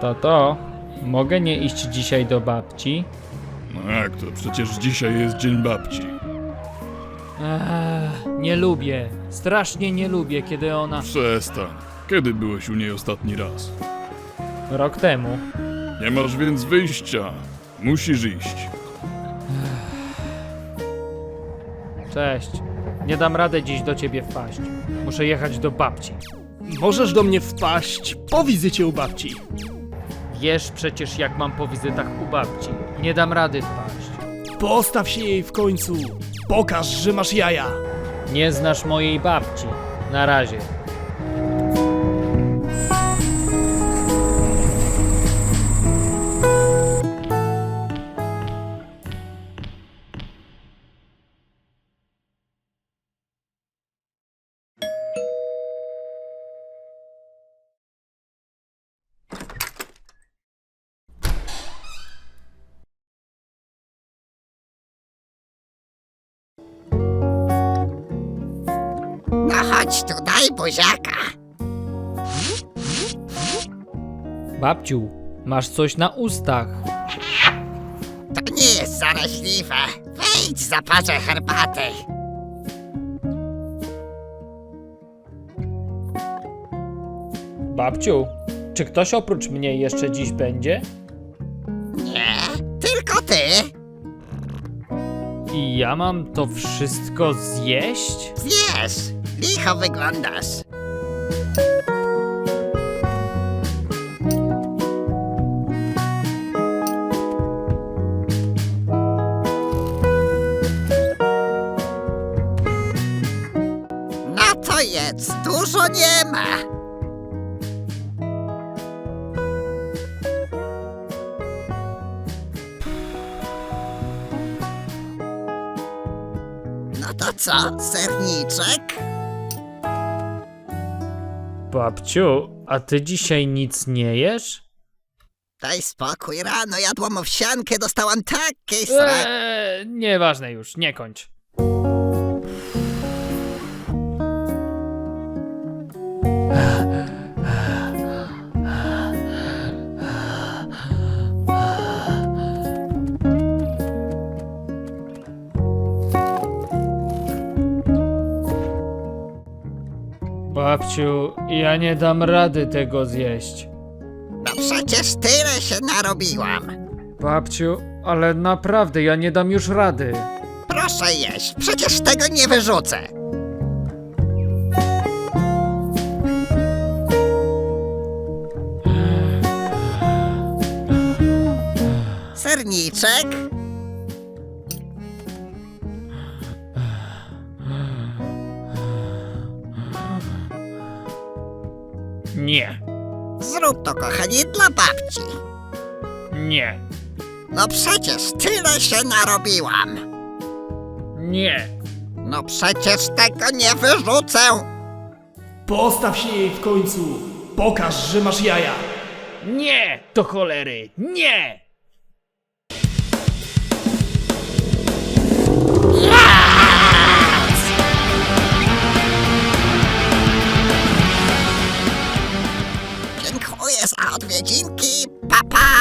Tato, mogę nie iść dzisiaj do babci? No jak to? Przecież dzisiaj jest Dzień Babci. Nie lubię. Strasznie nie lubię, kiedy ona... Przestań. Kiedy byłeś u niej ostatni raz? Rok temu. Nie masz więc wyjścia. Musisz iść. Cześć. Nie dam rady dziś do ciebie wpaść. Muszę jechać do babci. Możesz do mnie wpaść po wizycie u babci. Wiesz przecież, jak mam po wizytach u babci. Nie dam rady wpaść. Postaw się jej w końcu. Pokaż, że masz jaja. Nie znasz mojej babci. Na razie. No chodź tu, daj buziaka. Babciu, masz coś na ustach. To nie jest zaraźliwe. Wejdź, zaparzę herbaty. Babciu, czy ktoś oprócz mnie jeszcze dziś będzie? Nie, tylko ty. I ja mam to wszystko zjeść? Zjesz, licho wyglądasz. No to jedz, dużo nie ma. No to co, serniczek? Babciu, a ty dzisiaj nic nie jesz? Daj spokój, rano jadłam owsiankę, dostałam taki srak. Nieważne już, nie kończ. Babciu, ja nie dam rady tego zjeść. No przecież tyle się narobiłam. Babciu, ale naprawdę ja nie dam już rady. Proszę jeść, przecież tego nie wyrzucę. Serniczek? Nie, Zrób to, kochanie, dla babci. nie, No przecież tyle się narobiłam. nie. No przecież tego nie wyrzucę. Postaw się jej w końcu. Pokaż, że masz jaja. Nie! Do cholery! Nie! Dziękuję za odwiedzinki, papa.